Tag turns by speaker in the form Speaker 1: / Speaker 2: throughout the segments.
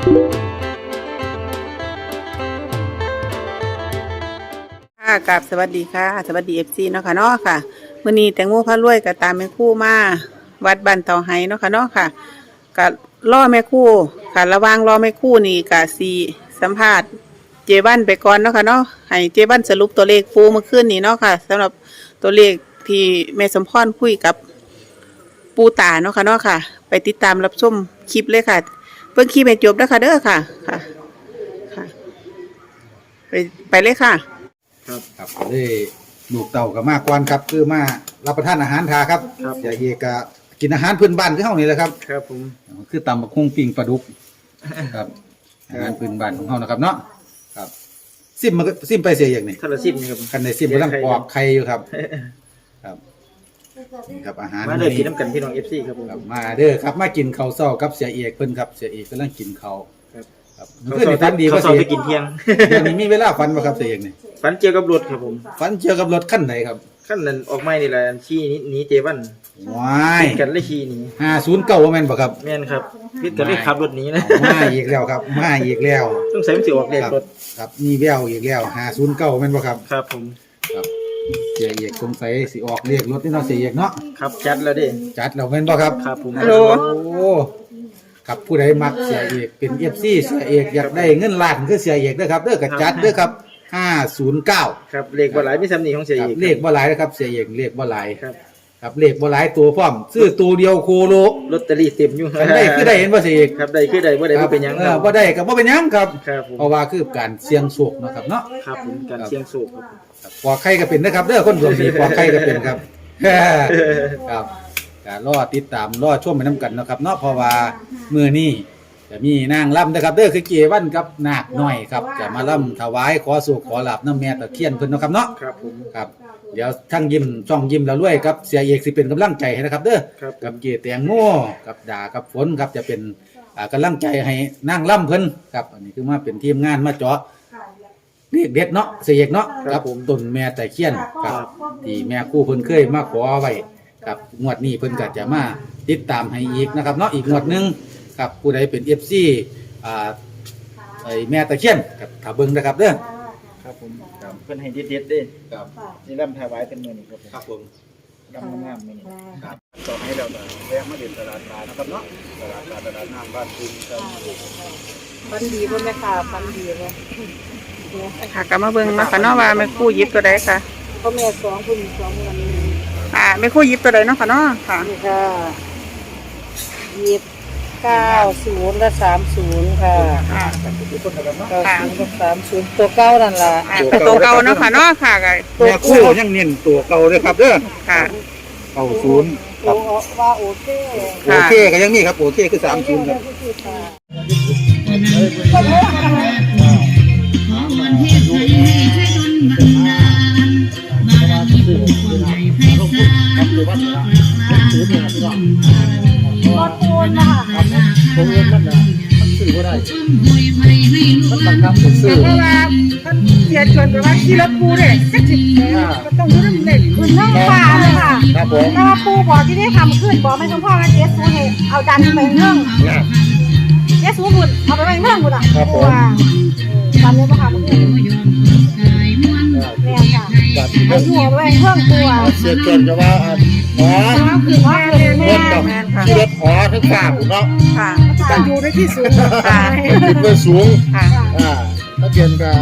Speaker 1: กับสวัสดีค่ะสวัสดีFCเนาะค่ะเนาะค่ะมื้อนี้แตงโมพารวยก็ตามแม่ครู่มาวัดบ้านเตาไห้เนาะค่ะเนาะค่ะก็รอแม่ครู่ค่ะระหว่างรอแม่ครู่นี่ก็สิสัมภาษณ์เจวันไปก่อนเนาะค่ะเนาะให้เจวันสรุปตัวเลขปูเมื่อคืนนี้เนาะค่ะสำหรับตัวเลขที่แม่สมพรคุยกับปูตาเนาะค่ะเนาะค่ะไปติดตามรับชมคลิปเลยค่ะเบิ่งคลิปให้จบเด้อค่ะเด้อค่ะค่ะไปเลยค่ะ
Speaker 2: ครับเลยลูกเต่ากับมากกว่าครับคือมารับประทานอาหารทาครับอย่าเอกกินอาหารพื้นบ้านที่เฮานี่แหละครับ
Speaker 3: ครับผม
Speaker 2: คือตำบักหุ่งปิ้งปลาดุกครับอาหารพื้นบ้านของเฮานะครับเนาะครับซิมไปเสียอย่างนี้
Speaker 3: ทะเลซิมครับ
Speaker 2: กันในซิมกำลังปอกไข่อยู่ครับครับนี่ครับอาหาร
Speaker 3: มาเด้อกินน้ำกันพี่น้อง FC ครับผม
Speaker 2: มาเด้อครับมากินข้าวเช้ากับเสียเอกเพิ่นครับเสียเอกกำลังกินข้าวครับ
Speaker 3: เพิ่นฝันดีว่าสิไปกินเที่ยง
Speaker 2: นี่มีเวลาฝันบ่ครับเสียเอกนี่
Speaker 3: ฝันเกี่ยวกับรถครับผม
Speaker 2: ฝันเกี่ยวกับรถคันไหนครับ
Speaker 3: คันนั้นออกใหม่นี่แหละชี้นี้เจวัน
Speaker 2: ว้าย
Speaker 3: กันเลยชี้นี้
Speaker 2: 509ว่าแม่นบ่ครับ
Speaker 3: แม่นครับพิดกันเลยขับรถนี้นะ
Speaker 2: มาอีกแล้วครับมาอีกแล้ว
Speaker 3: ต้องใส่มันสิออกเลขรถ
Speaker 2: ครับมีแววอีกแล้ว509แม่นบ่ครับ
Speaker 3: ครับผม
Speaker 2: ครับเสียเอกสงสัยสิออกเลขรถนี่เนาะเสียเอกเนาะ
Speaker 3: ครับจัดแล้วเด้
Speaker 2: จัดแล้วแม่นบ่ครับ
Speaker 3: ครับผม
Speaker 1: ฮัลโหล
Speaker 2: โอ้ครับผู้ใดมักเสียเอกเป็น FC เสียเอกอยากได้เงินล้านคือเสียเอกเด้อครับเด้อก็จัดเด้อครับ509
Speaker 3: ครับเลขบ่หลายมีซ้ำนี่ของเสียเอก
Speaker 2: เลขบ่หลายนะครับเสียเอกเลขบ่หลายครับเลขบ่หลายตัวพร้อมซื้อตัวเดียวโคโล
Speaker 3: ลอตเตอรี่เต็มอยู่
Speaker 2: ได้คือได้เห็นบ่เสียเอก
Speaker 3: ครับได้คือได้บ่ได้บ่เป็นหยังครับ
Speaker 2: บ่ได้ก็บ่เป็นหยังครับ
Speaker 3: ครับ
Speaker 2: เพราะว่าคือการเสี่ยงโชคเนาะครับเนาะ
Speaker 3: ครับผมการเสี่ยงโชค
Speaker 2: ครับปอกไข่ก็เป็นนะครับเด้อคนดวงดีปอกไข่ก็เป็นครับครับก็รอติดตามรอชมไปนํกันเนาะครับเนาะเพราะว่ามื้อนี้จะมีนางรำนะครับเด้อคือเกวันกับนาคน้อยครับจะมารำถวายขอสุขขอลาภน้ำแม่ตะเคียนเพิ่นเนาะครับเนาะ
Speaker 3: ครับผม
Speaker 2: ครับเดี๋ยวทั้งยิ้มช่องยิ้มแล้วรวยครับเสียเอกสิเป็นกำลังใจให้นะครับเด้อกับเกแตงโมกับดากับฝนครับจะเป็นกำลังใจให้นางรำเพิ่นครับอันนี้คือมาเป็นทีมงานมาเจาะเรียกเด็ดเนาะเสียเอกเนาะครับต้นแม่ตะเคียนครับที่แม่ครูเพิ่นเคยมาขอไว้ครับงวดนี้เพิ่นก็จะมาติดตามให้อีกนะครับเนาะอีกงวดนึงครับผู้ใดเป็น FC ไอ้แม่ตะเคียนครับถ้าเบิ่งนะครับเด้อ
Speaker 3: ครับผมครับเพิ่นให้เด็ดๆเด้ครับนี่รำถวายเป็นมื้อนี้ครับ
Speaker 2: ครับผม
Speaker 3: รำงามมื้อนี้
Speaker 2: ครับต่อให้เราแวะมาเดินตลาดนานะครับเนาะตลาดน้ำบ้านคุณครับ
Speaker 1: ฟันดีบ่แม่ค่ะฟันดีบ่ค่ะก็มาเบิ่งมาค่ะเนาะว่าแม่ครู่หยิบตัวใดค่ะ
Speaker 4: พ่อแม่2ผู้หญิง2วันนี้
Speaker 1: แม่ครู่หยิบตัวใดเนาะค่ะเนาะค่ะ
Speaker 4: นี่ค่ะหยิบ90และ30ค่ะ90ตัวเก่านั่นล่ะ
Speaker 1: ตัวเก่าเนาะค่ะเนาะค่ะ
Speaker 2: แม่ครู่ยังเน้นตัวเก่าเด้อครับเด้อ
Speaker 1: ค่ะ
Speaker 2: 90ครับ
Speaker 4: ว่าโอเค
Speaker 2: ก็ยังมีครับโอเคคือ30ครับ
Speaker 4: รถปูนนะคะ
Speaker 2: ผมเงินมันซื้อบ่ได้มันบังคับผมซื้อ
Speaker 1: เพราะว่าเสียชวนไปว่าขี่รถปูเนี่ยก็ต้องรู้เรื่อง
Speaker 4: คือน้องป่าเลยค่ะ
Speaker 2: ครับผม
Speaker 4: ถ้าปูบอกที่ได้ทำขึ้นบอกไม่ต้องพ่อมาเจ๊สูให้เอาดันไปเรื่องเจ๊สูบุญเอาไปเรื่องบุญอ่ะปูว่าตอนนี้ก็ทำขึ้นแม่ค่ะเอาหัวไปเรื่องปูอ่ะ
Speaker 2: เสียจนจะว่าอ๋อ
Speaker 4: คือว่า
Speaker 2: เงินดอกที่รถหอทั้งฝากเนาะ
Speaker 1: ค่ะ
Speaker 4: ต้องอยู่ในที่สูง
Speaker 1: ค่ะ
Speaker 2: ขึ้นไปสูง
Speaker 1: ค่ะ
Speaker 2: ถ้าเปลี่ยนกับ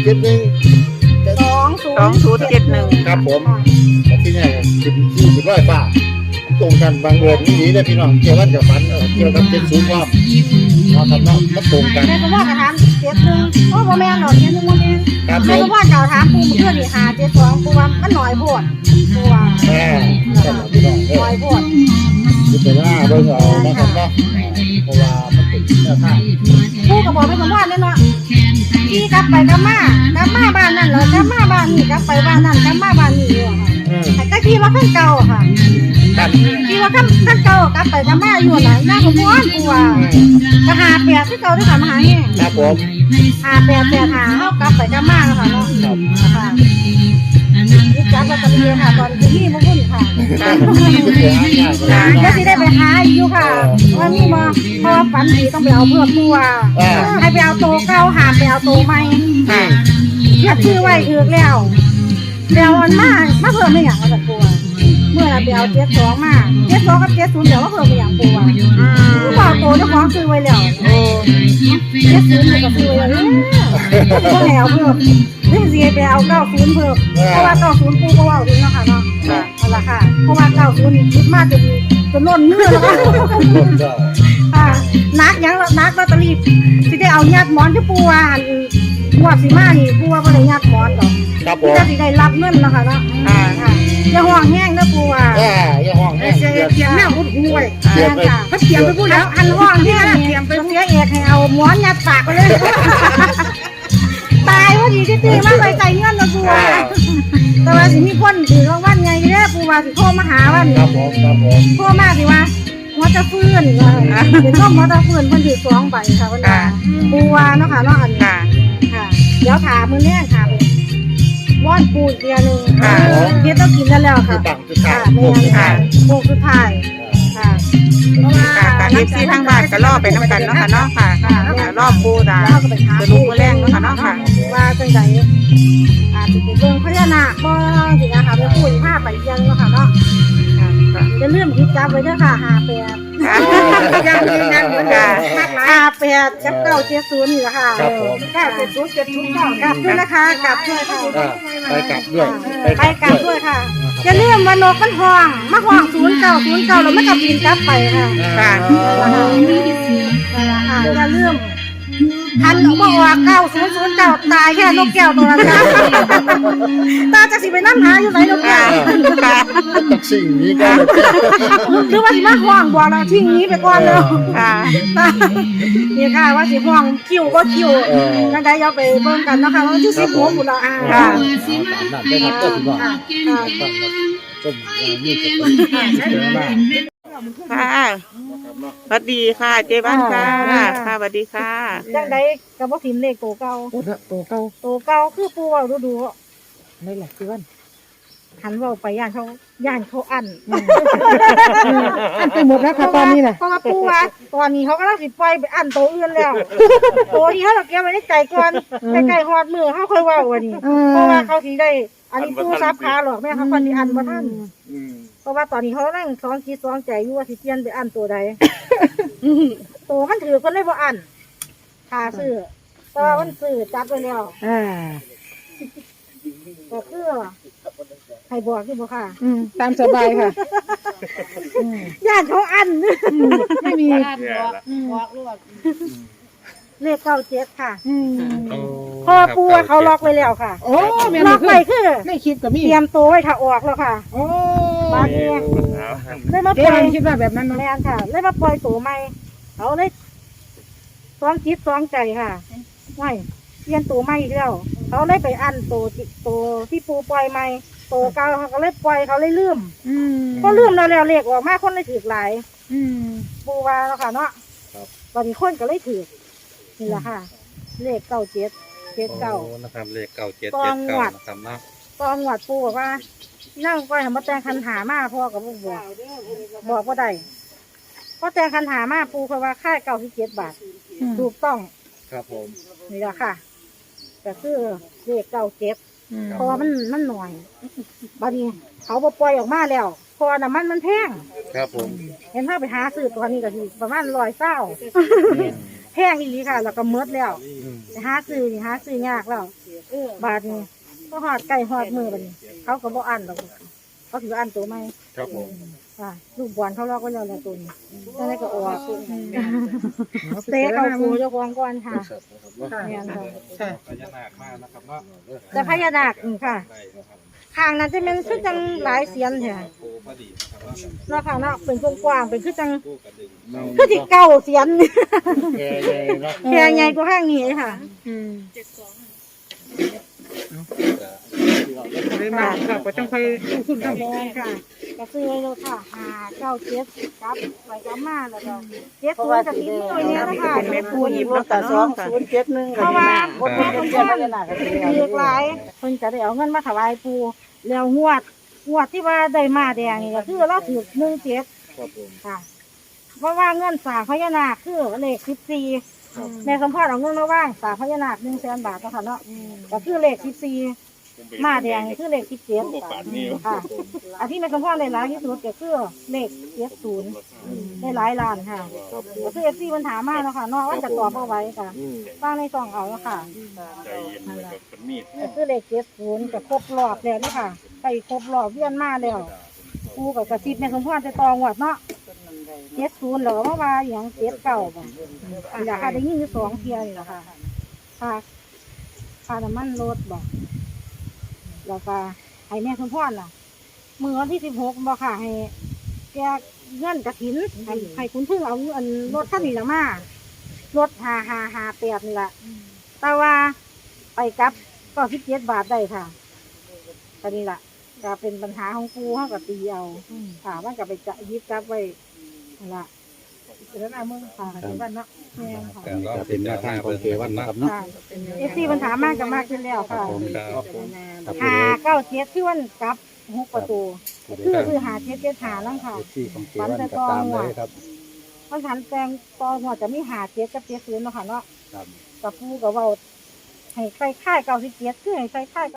Speaker 4: 2071
Speaker 2: ครับผมที่นี่ขึ้น100 บาทตรงกันบางเดือนนี้เนี่ยพี่น้องเกี่ยวกับจะฝันเกี่ยวกับ70ความเนาะครับเนาะมันตรงกัน
Speaker 4: แม่ก็ว่าจะถาม71เพราะว่าแม่หน่อย71บ่แม่แม่ก็ว่าจะถามปูเพื่อนนี่572ปูว่ามันน้อยโพดปูว่า
Speaker 2: พี่น้อง
Speaker 4: น้อยโพด
Speaker 2: คือแต่ว่าเบิ่งเอานะครับเนาะเพราะว่ามันเป็นแนวทาง
Speaker 4: ปูก็บอกไม่สมพรเลยเนาะขี่กลับไปกลับมาบ้านนั่นเหรอกลับมาบ้านนี่กลับไปบ้านนั่นกลับมาบ้านนี่อยู่ค่ะแต่ขี่ว่าขั้นเก่าค่ะขี่ว่าขั้นเก่ากลับไปกลับมาอยู่ไหนหน้าขมวนปูว่าก็58ที่เก่าด้วยค่ะมาหาเนี่ย
Speaker 2: ครับผม
Speaker 4: 5885เฮากลับไปกลับมาค่ะเนาะค่ะนี่จัดแล้วก็มีค่ะตอนที่บ่คุ้นค่ะก็สิได้ไปหาอยู่ค่ะว่ามีบ่พอปฝันดีต้องไปเอาเพื่อปูว่าให้ไปเอาโตเก้าหามไปเอาโตใหม่
Speaker 1: ค่ะ
Speaker 4: เทียบชื่อไว้ถือแล้วมันมาเพิ่มไม่อย่างกับปูเมื่อเราไปเอา72มา72กับ70เดี๋ยวว่าเพิ่มไม่อย่างปูผู้บ่าวโตเจ้าของซื้อไว้แล้ว70ก็ซื้อไว้แล้วก็แล้วเพิ่มนี่สิไปเอา90เพิ่มเพราะว่า90ปูก็ว่าดีเนาะค่ะเนาะนั่นล่ะค่ะเพราะว่า90นี่คิดมากจนล้นมือแล้วค่ะนักยังนักลอตเตอรี่สิได้เอาญาติหมอนที่ปูว่าหัวสิมานี่ปูว่าบ่ได้ญาติหมอนดอก
Speaker 3: ครับผ
Speaker 4: ที่
Speaker 3: ม
Speaker 4: จะสิได้รับเงินเนาะค่ะเนาะอย่าห่วงแห้งนะปูว่า
Speaker 3: อย่าห้องแห้ง
Speaker 4: เสียแม่หุ้ย
Speaker 3: เตรียมไป
Speaker 4: เขาเตรียมไปพูดแล้วอันห่วงแห้งเตรียมไปเสียเอกให้เอาหมอนยัดปากไปเลยตายพอดีที่ตีมาใส่ใจเงินนะปูว่าแต่ว่าสิมีคนถือรางวัลไงเด้อปูว่าสิโทรมาหาว่านี่
Speaker 3: ครับผม
Speaker 4: โทรมาสิว่าหัวจะฟื้นเป็นต้มหัวจะฟื้นเพิ่นถือ2ใบค่ะเพิ่นว่าปูว่าเนาะค่ะเนาะอันนี้
Speaker 1: ค่ะ
Speaker 4: ค่ะเดี๋ยวถามมื้อแรกค่ะว่อนปูอีกเดือนนึง
Speaker 1: ค่ะ
Speaker 4: เดี๋ยวต้องกินกันแล้วค่ะ
Speaker 3: ตั้งจุด
Speaker 4: ค่ะ
Speaker 3: ขาย
Speaker 4: แม่นค่ะโค้งสุดท้ายค่ะเพราะว่า
Speaker 1: ค่ะการเอฟซีทางบ้านก็รอไปน้ำกันเนาะค่ะเนาะค่ะรอบปูตา
Speaker 4: เราก็ไปหา
Speaker 1: จะรู้มื้อแรงเนาะค่ะเนาะค่ะ
Speaker 4: ว่าจังไดอาจจะเป็นเรื่องพญานาคบ่สินะคะไปพูดภาพไปยังเนาะค่ะเนาะจะเลื่อมคิดจับไว้เด้อค่ะ58ยังยืนยันเหมือนกัน58กับ970นี่แหละค่ะ
Speaker 3: ครับผม
Speaker 4: 970 709กลับด้วยนะคะกลับด้วยค่ะ
Speaker 3: ไปกลับด้วย
Speaker 4: ไปกลับด้วยค่ะอย่าลืมว่านกมันห้องมาห้อง0909แล้วมันก็บินกลับไปค่ะ
Speaker 1: ค่ะ
Speaker 4: อย่าลืมทันบอกว่า9009ตายแค่นกแก้วตัวนั้นนะตาจะสิไปนั่งหาอยู่ไหนนกแก้ว
Speaker 1: ค่ะ
Speaker 3: ตักสิ่งนี้ก็
Speaker 4: หรือว่าสิมาห้องบอกเราทิ้งนี้ไปก่อนเลย
Speaker 1: ค่ะ
Speaker 4: นี่ค่ะว่าสิห้องคิวก็คิวนั่นได้เอาไปเบิ่งกันนะคะวันที่16พุ่นละ
Speaker 1: ค่ะ
Speaker 3: ตามนั้นได้ครับก็ถือว่าต้มนี่จะเป็นเยอะมาก
Speaker 1: ค่ะสวัสดีค่ะ เจ๊บ้านค่ะ ค่ะสวัสดีค่ะ
Speaker 4: จังไดก็บ่ทิมเลขโตเก่า
Speaker 3: โอ้โตเก้า
Speaker 4: โตเก่าคือปูเว้าดู
Speaker 3: ไม่หลักคือวัน
Speaker 4: หันเว้าไปย่านเขาอั้น
Speaker 5: อันไปหมดแล้วค่ะตอนนี้น่ะ
Speaker 4: เพราะว่าปูว่าตอนนี้เขากำลังสิปล่อยไปอั้นโตอื่นแล้วโตที่เขาเก็บไว้ในใจก่อนใกล้ๆฮอดมือเขาค่อยเว้าว่านี่เพราะว่าเขาสิได้ อันนี้ปูซับขาหรอกแม่เขาคนสิอั้นบ่ทันเพราะว่าตอนนี้เขานั่งสองคิดสองใจอยู่ว่าสิเปลี่ยนไปอั้นตัวใดโตมันถือคนเลยบ่อั้นค่าซื้อแต่ว่ามันซื้อจัดไว้แล้ว ก็คือให้บอกที่บ่ค่ะ
Speaker 5: ตามสบายค่ะ
Speaker 4: ย่านเขาอัน
Speaker 5: ไม่มี
Speaker 4: เลข97ค่ะพอปูว่าเขาล็อกไว้แล้วค่ะ
Speaker 5: โอ้แม่
Speaker 4: ล็
Speaker 5: น
Speaker 4: อก
Speaker 5: คือ
Speaker 4: ไว้คือ
Speaker 5: ไม่คิดกับมี
Speaker 4: เตรียมตัวไว้ถ้าออกแล้วค่ะ
Speaker 5: โอ้
Speaker 4: บาดนี้เลยมา
Speaker 5: เจ๊
Speaker 4: ปล่อย
Speaker 5: คิดว่าแบบนั้นเนาะ
Speaker 4: แม่นค่ะเลยมาปล่อยตัวใหม่เขาเลยซ้อมคิดซ้อมใจค่ะไม่เปลี่ยนตัวใหม่อีกแล้วเขาเลยไปอันตัวที่ปูปล่อยใหม่ตัวเก่าเขาก็เลยปล่อยเขาเลยลืมพอลืมแล้วเลขออกมาคนเลยถือหลาย ปูว่าแล้วค่ะเนาะตอนนี้คนก็เลยถือนี่แหละค่ะ เลข9779
Speaker 3: นะครับเลขเก้าเจ็ด
Speaker 4: ตองหวัด
Speaker 3: นะครับเนาะ
Speaker 4: ตองหวัดปูบอกว่านั่งก้อยทำมาแต่งคันหามาพ่อกับลูกบอกว่าได้พอแต่งคันหามาปูเขาว่าค่า97 บาทถูกต้อง
Speaker 3: ครับผม
Speaker 4: นี่แหละค่ะแต่คือเลข97เพราะว่ามันหน่อยบัดนี้เขาบ่ปล่อยออกมาแล้วเพราะว่าน้ำมันแพง
Speaker 3: ครับผม
Speaker 4: เห็นถ้าไปหาซื้อตัวนี้ก็สิประมาณ120แพงอีหลีค่ะ แล้วก็หมดแล้วไปหาซื้อยากแล้วบาทนี้ก็หอดไก่หอดมือบัดนี้เขาก็บ่อันหรอกเขาถืออันตัวใหม่
Speaker 3: ครับผม
Speaker 4: ค่ะลูกบอลเขาลอกไว้แล้วแหละตัวนี้นั่นแหละก็ออกเตะเอาปูเจ้าของก่อนค่ะเนี่ยค่ะ
Speaker 3: พญานาคมากนะครับเนาะ
Speaker 4: แต่พญานาคนี่ค่ะข้างนั้นจะเป็นคือจังหลายเสียนค่ะ
Speaker 3: ปูพอดีนะครับ
Speaker 4: เนาะค่ะเนาะเป็นกว้างๆเป็นคือจังคือที่เก่าเสียน
Speaker 3: แก่ใหญ่เนาะ
Speaker 4: แค่ใหญ่กว่าข้างนี้ค่ะ
Speaker 5: ได้มาค่ะก็ต้องค่อยลงทุนทำ
Speaker 4: แม่ค่ะก็ซื้อไว้เลยค่ะ597ครับไปกลับมาแล้วก็70กับ10ตัวเนี้ยนะคะ
Speaker 1: เป็นแม่ผู้หยิบแล้วก็น้องค่ะ
Speaker 4: เพราะว่าคนแม่คนพ่อเรียกหลายเพิ่นจะได้เอาเงินมาถวายปู่แล้วงวดที่ว่าได้มาแดงนี่ก็คือเราถูก17
Speaker 3: ครับผม
Speaker 4: ค่ะเพราะว่าเงินสร้างพญานาคคือเลข14แม่สมพรเอาเงินมาว่างสร้างพญานาค100,000 บาทเนาะค่ะเนาะก็คือเลข14มาแดงคือเลข17ค่ะอันที่แม่สมพรได้หลายที่สุดก็คือเลข70ได้หลายล้านค่ะก็คือ FC มันถามมาเนาะค่ะเนาะว่าจะตอบเอาไว้ค่ะฟังในซองเอาเนาะค่ะก็คือเลข70ก็ครบรอบแล้วเนาะค่ะไปครบรอบเวียนมาแล้วกูกับกระซิบแม่สมพรจะตองวดเนาะ70เหรอว่าอย่าง79บ่อยากได้ยินอยู่2เที่ยนี่แหละค่ะค่าน้ำมันรถบ่แล้วก็ให้แม่สมพรล่ะมื้อวันที่16บ่ค่ะให้แกเงินกฐินให้คุณพึ่งเอาอันรถคันนี้ละมารถ5558นี่ล่ะแต่ว่าไปกลับก็17 บาทได้ค่ะก็นี่ล่ะก็เป็นปัญหาของกูเฮาก็ตีเอาค่ะมันก็ไปจะยึดกลับไว้นั่นล่ะแล้วหน้ามึงค่ะที่บ้านเนาะแม่ค่ะ
Speaker 2: ก็เป็นแนวทางของเกวันนะครับเนาะ
Speaker 4: ค่ะFC ปัญหามากก็มากขึ้นแล้วค่ะ 597คือวันกลับ6 ประตูคือ5775นั่นค่ะ
Speaker 3: ที่ของเกวันก็ตามเลยครับ
Speaker 4: มันหันแปลงตอหัวจะมี57กับ70เนาะค่ะเนาะ
Speaker 3: ครับ
Speaker 4: กับปูกับเว้าให้ใส่ค่าย97คือให้ใส่ค่าย